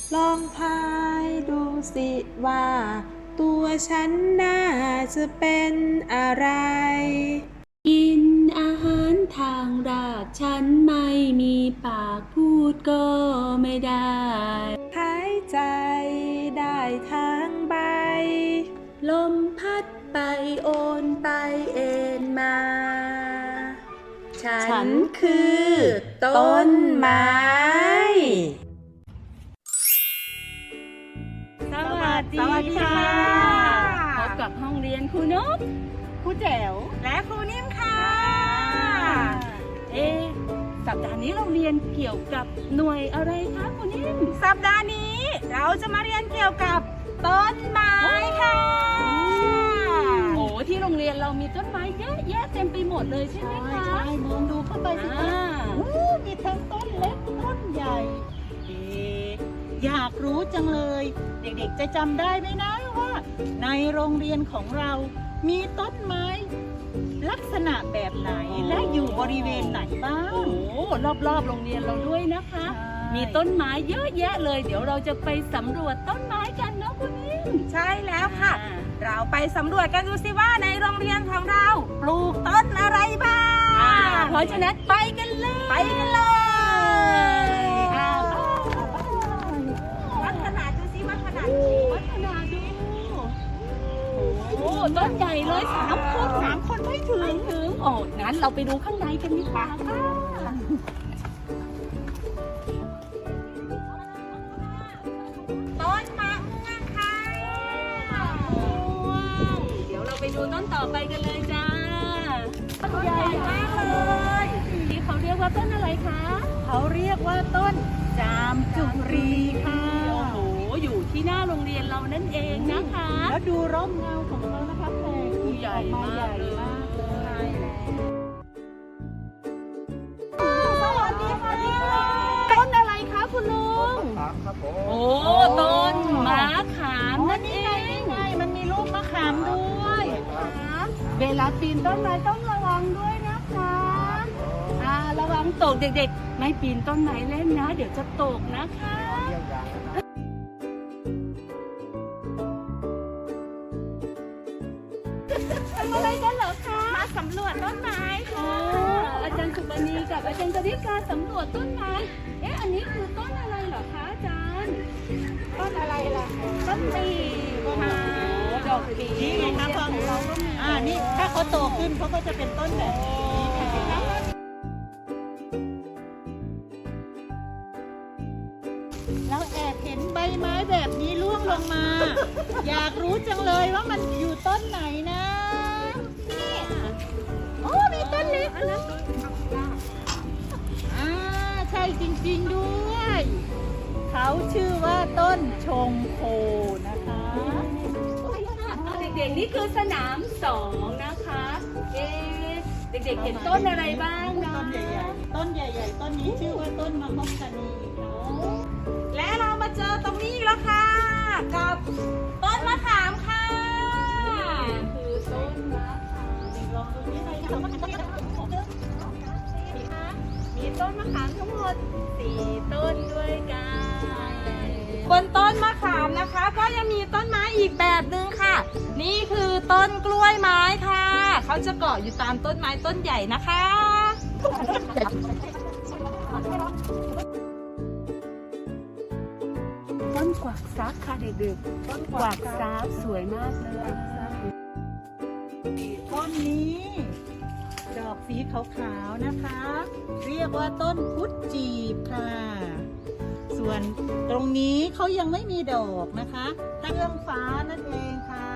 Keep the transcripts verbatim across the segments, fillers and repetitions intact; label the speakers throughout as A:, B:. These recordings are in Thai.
A: ลองทายดูสิว่าตัวฉันน่าจะเป็นอะไร
B: กินอาหารทางรากฉันไม่มีปากพูดก็ไม่ได้
A: หายใจได้ทางใบ
B: ลมพัดไปโอนไปเอ็นมา
A: ฉันคือต้นไม้
B: สวัสดี
C: สวัสดี
B: ค่ะ
C: ค่ะ
B: พบกับห้องเรียนครูนกครูแจ๋ว
C: และครูนิ่มค่ะ
B: เอ๊ะสัปดาห์นี้เราเรียนเกี่ยวกับหน่วยอะไรคะครูนิ่ม
C: สัปดาห์นี้เราจะมาเรียนเกี่ยวกับต้นไม้ค่ะ
B: โอ้ที่โรงเรียนเรามีต้นไม้เยอะแยะเต็มไปหมดเลยใช่ไหมคะ
C: ใช่มองดูเข้าไปสิคะ
B: อ่า
C: อู้มีทั้งต้นเล็กต้นใหญ่เอ๊ะอยากรู้จังเลย เด็กๆจะจำได้ไหมนะว่า ในโรงเรียนของเรามีต้นไม้ ลักษณะแบบไหนและอยู่บริเวณไหนบ้าง
B: โอ้รอบๆโรงเรียนเราด้วยนะคะ
C: ใช่
B: มีต้นไม้เยอะแยะเลย เดี๋ยวเราจะไปสำรวจต้นไม้กันเนาะคุณนิ่ม
C: ใช่แล้วค่ะ เราไปสำรวจกันดูสิว่าในโรงเรียนของเราปลูกต้นอะไรบ้า
B: อ่าง เพราะฉะนั้นไปกันเลย
C: ไปกันเลย
B: อ่า
C: วัดขนาดดูสิวัดขนาด
B: วัฒนาดูโอ้ต้นใหญ่เลยสามคน
C: สามคนไม่ถึ
B: ถึ
C: ง
B: งถึงโอ้งั้นเราไปดูข้างในกันดีกว่าค่ะ
C: ต้นมะม่วงค่ะ
B: เดี๋ยวเราไปดูต้นต่อไปกันเลยจ้า
C: ต้นใหญ่มากเลย
B: ที่เขาเรียกว่าต้นอะไรคะ
C: เขาเรียกว่าต้นจามจุรีค่ะ
B: โอ้โห อยู่ที่หน้าโรงเรียนเรานั่นเองนะคะ
C: แล้วดูร่มเงาของเขานะคะแผ่กิ่ง
B: ใหญ่
C: ออก
B: มากเลย
C: ใหญ่มากเลยสวัสดีค่ะ
B: ต้นอะไรคะคุณลุง
D: ครับผม
B: โอ้ ต้นมะขาม
C: อ๋อ
B: นั่น
C: นี่
B: เอ
C: ไง
B: ง
C: นี่ไงมันมีลูกมะขามด้วย
B: เวลาปีนต้นไม้ต้องระวังด้วยนะคะอ่าระวังตกเด็กๆ ไม่ปีนต้นไม้เล่นนะ เดี๋ยวจะตกนะคะ
D: เยี่ยมอย่างนะครับ
B: ทำอะไรกันเหรอคะ
C: มาสำรวจต้นไม้
B: อ๋อ
C: ค่ะ
B: อาจารย์สุบณีกับอาจารย์กฤษการสำรวจต้นไม้ เอ๊ะ อันนี้คือต้นอะไรเหรอคะอาจารย์
C: ต้นอะไรล่ะ
B: ต้นปีบค่ะดอกปี
C: นี่ไงคะพอเราก็มีอ่านี่ถ้าเขาโตขึ้นเขาก็จะเป็นต้นแบบนี้ค่ะแล้วแอบเห็นใบไม้แบบนี้ร่วงลงมา อยากรู้จังเลยว่ามันอยู่ต้นไหนนะนี่โอ้มีต้นเล็กด้วยอ่าใช่จริงๆด้วย เขาชื่อว่าต้นชงโคนะคะ
B: เด็กๆ นี่คือสนามสองนะคะ เอ๊ะ เด็กๆ เห็นต้นอะไรบ้างนะ
C: ต้นใหญ่ๆ ต้นใหญ่ๆ ต้นนี้ชื่อว่าต้นมะฮอกกานีค่ะและเรามาเจอตรงนี้อีกแล้วค่ะ กับต้นมะขามค่ะ
B: นี่คือต้นมะขาม
C: ลองดูนี่เลยค่ะว่าต้นมะขามของเธอ
B: มีต้นมะขามทั้งหมดสี่ต้นด้วยกัน
C: บนต้นมะขามนะคะ ก็ยังมีต้นไม้อีกแบบหนึ่งค่ะ นี่คือต้นกล้วยไม้ค่ะ เขาจะเกาะอยู่ตามต้นไม้ต้นใหญ่นะคะ
B: ต้นกวักซักค่ะเด็กๆ ต้นกวักซักสวยมากเลย
C: ต้นนี้ ดอกสีขาวๆนะคะ เรียกว่าต้นพุทธจีบค่ะ ส่วนตรงนี้เขายังไม่มีดอกนะคะตั้งเรื่องฟ้านั่นเองค่ะ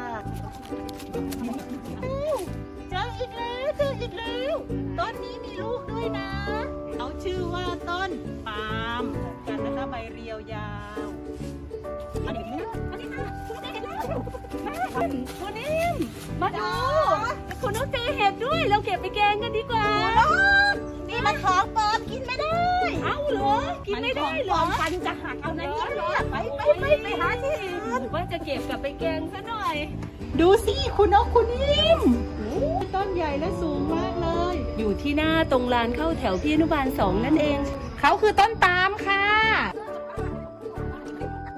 C: เจออีกแล้วเจออีกแล้วต้นนี้มีลูกด้วยนะเขาชื่อว่าต้นปาล์มกันนะคะใบเรียวยาวอันนี้อันนี้ค่ะคุณได้เห็นแล้ว
B: คุณนิ่มมาดู คุณนุ๊กเจอเห็ดด้วย เราเก็บไปแกงกันดีกว่า
C: นี่มันของปลอมกินไม่ได้
B: เอ้าเหรอ กินไม่ได้เหรอ
C: ฟันจะหักเอานะเนี่ยไปไปไปไปหาที่อื่น
B: ว่าจะเก็บกลับไปแกงซะหน่อย
C: ดูสิคุณนกคุณนิ่มต้นใหญ่และสูงมากเลย
B: อยู่ที่หน้าตรงลานเข้าแถวพี่อนุบาลสองนั่นเอง
C: เขาคือต้นปาล์มค่ะ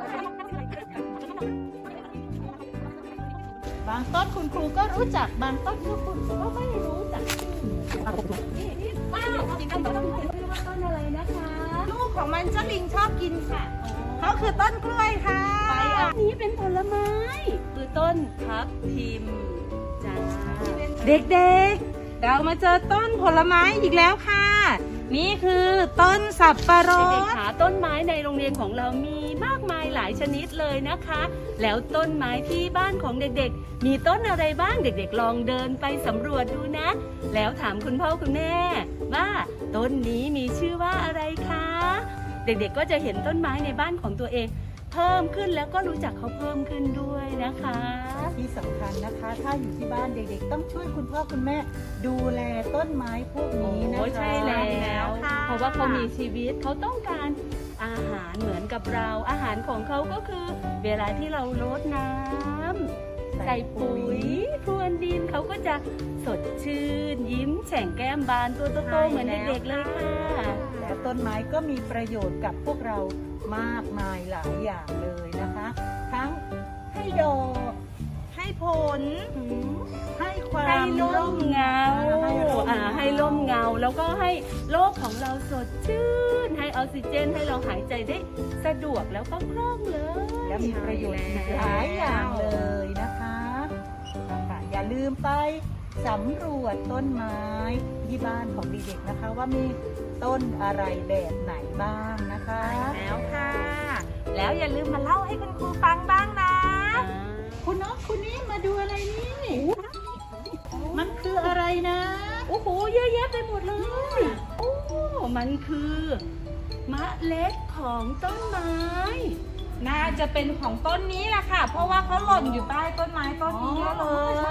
C: างต้นคุณครูก็รู้จักบางต้นก็คุณก็ไม่รู้จัก
B: นี่นี่ป้าจริงๆต้นต้นอะไรนะคะ
A: ลูกของมันเจ้าลิงชอบกินค่ะเขาคือต้นกล้วยค่ะ
B: ไปอันนี้เป็นผลไม้คือต้นทับทิมจ้า
A: เด็กๆ เรามาเจอต้นผลไม้อีกแล้วค่ะ นี่คือต้นสับปะร
B: เด็ก
A: ด
B: ๆขาต้นไม้ในโรงเรียนของเรามีมากมายหลายชนิดเลยนะคะ แล้วต้นไม้ที่บ้านของเด็กๆ มีต้นอะไรบ้างเด็กๆ ลองเดินไปสำรวจดูนะ แล้วถามคุณพ่อคุณแม่ว่าต้นนี้มีชื่อว่าอะไรคะ เด็กๆ ก็จะเห็นต้นไม้ในบ้านของตัวเอง เพิ่มขึ้นแล้วก็รู้จักเขาเพิ่มขึ้นด้วยนะคะ
C: ที่สำคัญนะคะ ถ้าอยู่ที่บ้านเด็กๆ ต้องช่วยคุณพ่อคุณแม่ดูแลต้นไม้พวกนี้นะคะ
B: โอ้ใช่แล้ว
A: ค่ะ
B: เพราะว่าเขามีชีวิตเขาต้องการอาหารเหมือนกับเรา อาหารของเขาก็คือ เวลาที่เรารดน้ำใส่ปุ๋ยพรวนดินเขาก็จะสดชื่น ยิ้มแฉ่งแก้มบานตัวโตๆเหมือนเด็กๆเลยค่ะ
C: และต้นไม้ก็มีประโยชน์กับพวกเรามากมายหลายอย่างเลยนะคะ ทั้งให้ดอก
A: ให้ผล
C: ให้ความ
B: ให้ร่มเงา
C: ให้ร่ม
B: อ่าให้ร่มเงา แล้วก็ให้โลกของเราสดชื่น ให้ออกซิเจนให้เราหายใจได้สะดวกแล้วก็คล่องเลย
C: และมีประโยชน์อีกหลายอย่างเลยนะคะนะคะอย่าลืมไปสำรวจต้นไม้ที่บ้านของเด็กๆนะคะ ว่ามีต้นอะไรแบบไหนบ้างนะคะ
A: แล้วค่ะ แล้วอย่าลืมมาเล่าให้คุณครูฟังบ้างนะ
C: คุณน้องคุณนี่มาดูอะไรนี่ มันคืออะไรนะ
B: โอ้โหเยอะแยะไปหมดเลย โอ้ มันคือมะเล็ดของต้นไม้
A: น่าจะเป็นของต้นนี้แหละค่ะ เพราะว่าเขาหล่นอยู่ใต้ต้นไม้ต้นนี้เลย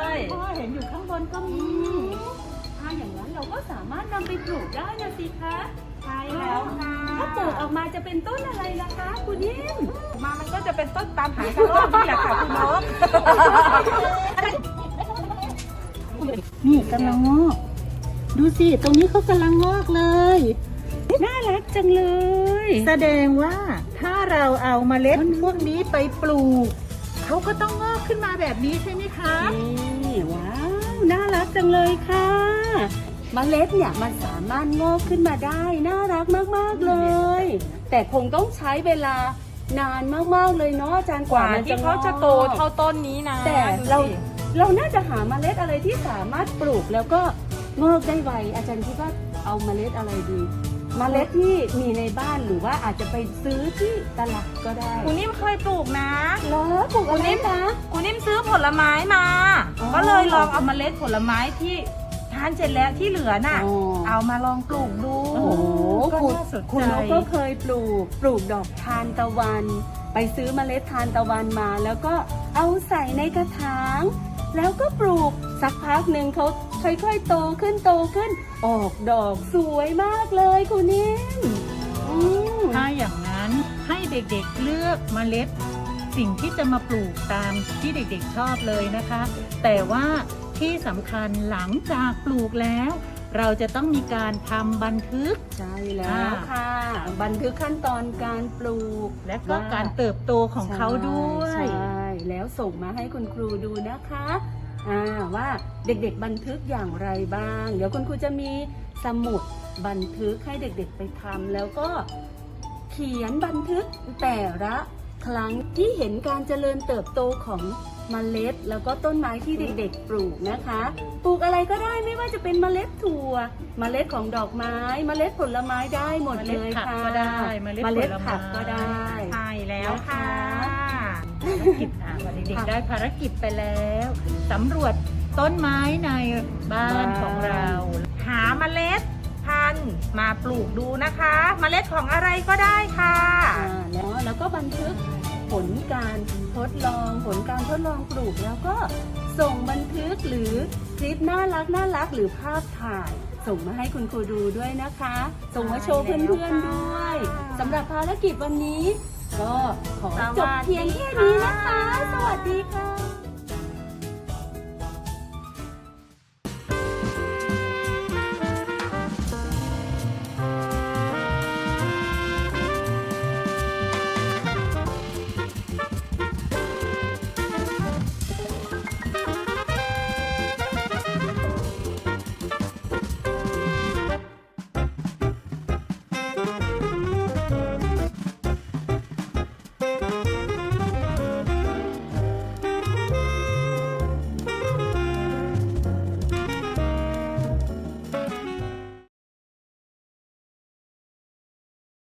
C: พ่อเห็นอยู่ข้างบนก็มี
B: ถ้าอย่างนั้นเราก็สามารถนำไปปลูกได้นะสิคะ
A: ใช่แล้วค่ะ
B: ถ้าปลูกออกมาจะเป็นต้นอะไรล่ะคะคุณยิ้ม
A: มามันก็จะเป็นต้นตามหากระรอกนี่แหละค่ะคุณนก
C: นี่กำลังงอก ดูสิ ตรงนี้เขากำลังงอกเลย
B: น่ารักจังเลย
C: แสดงว่าถ้าเราเอาเมล็ดพวกนี้ไปปลูก เขาก็ต้องงอกขึ้นมาแบบนี้ใช่ไหมคะ
B: นี่ว้าว น่ารักจังเลยค่ะเมล็ดเนี่ยมันสามารถงอกขึ้นมาได้ น่ารักมากๆเลย แต่คงต้องใช้เวลานานมากๆเลยเนาะอาจารย์
A: ก
B: กว่า
A: ว่า
B: มัน
A: ที่
B: จะ
A: เขาจะโตเท่าต้นนี้นะ
B: แต่เราเราน่าจะหาเมล็ดอะไรที่สามารถปลูกแล้วก็งอกได้ไวอาจารย์คิดว่าเอาเมล็ดอะไรดี เมล็ดที่มีในบ้านหรือว่าอาจจะไปซื้อที่ตลาดก็ได้
A: คุณนิ่มเคยปลูกนะ
B: เหรอปลูกอะไรนะ
A: คุณนิ่มซื้อผลไม้มา
B: อ๋อ
A: ก็เลยลองเอาเมล็ดผลไม้ที่ทานเสร็จแล้วที่เหลือน่ะ
B: อ๋อ
A: เอามาลองปลูกดู
B: โอ้โห
C: ก็
B: คุณ
C: น่าสนใจ
B: คุณนกก็เคยปลูก ปลูกดอกทานตะวัน ไปซื้อเมล็ดทานตะวันมา แล้วก็เอาใส่ในกระถาง แล้วก็ปลูกสักพักหนึ่งเขาค่อยๆโตขึ้นโตขึ้น ออกดอกสวยมากเลยคุณนิ่มอืม
C: ถ้าอย่างนั้นให้เด็กๆเลือกเมล็ด สิ่งที่จะมาปลูกตามที่เด็กๆชอบเลยนะคะ แต่ว่าที่สำคัญหลังจากปลูกแล้ว เราจะต้องมีการทำบันทึก
B: ใช่แล้วค่ะ บันทึกขั้นตอนการปลูก
C: และก็การเติบโตของเขาด้วย
B: ใช่ใช่แล้วส่งมาให้คุณครูดูนะคะอ่าว่าเด็กๆบันทึกอย่างไรบ้าง เดี๋ยวคุณครูจะมีสมุดบันทึกให้เด็กๆไปทำแล้วก็เขียนบันทึกแต่ละครั้งที่เห็นการเจริญเติบโตของเมล็ด แล้วก็ต้นไม้ที่เด็กๆปลูกนะคะ ปลูกอะไรก็ได้ไม่ว่าจะเป็นเมล็ดถั่ว เมล็ดของดอกไม้ เมล็ดผลไม้ได้หมดเลยค่ะ
C: เมล็ดผักก็ได้เมล็ด
B: เมล็ด
C: ผลไม้
B: ผักก็ได้
A: ใช่แล้วค่ะ
C: ภารกิจอ่ะวันเด็กๆได้ภารกิจไปแล้วสำรวจต้นไม้ในบ้านของเรา
A: หาเมล็ดพันธุ์มาปลูกดูนะคะ เมล็ดของอะไรก็ได้ค่ะ
B: อ่าแล้วแล้วก็บันทึกผลการทดลองผลการทดลองปลูกแล้วก็ส่งบันทึกหรือคลิปน่ารักน่ารักหรือภาพถ่าย ส่งมาให้คุณครูดูด้วยนะคะ ส่งมาโชว์เพื่อนๆด้วยสำหรับภารกิจวันนี้ ก็ขอจบเพียงแค่นี้นะคะ สวัสดีค่ะ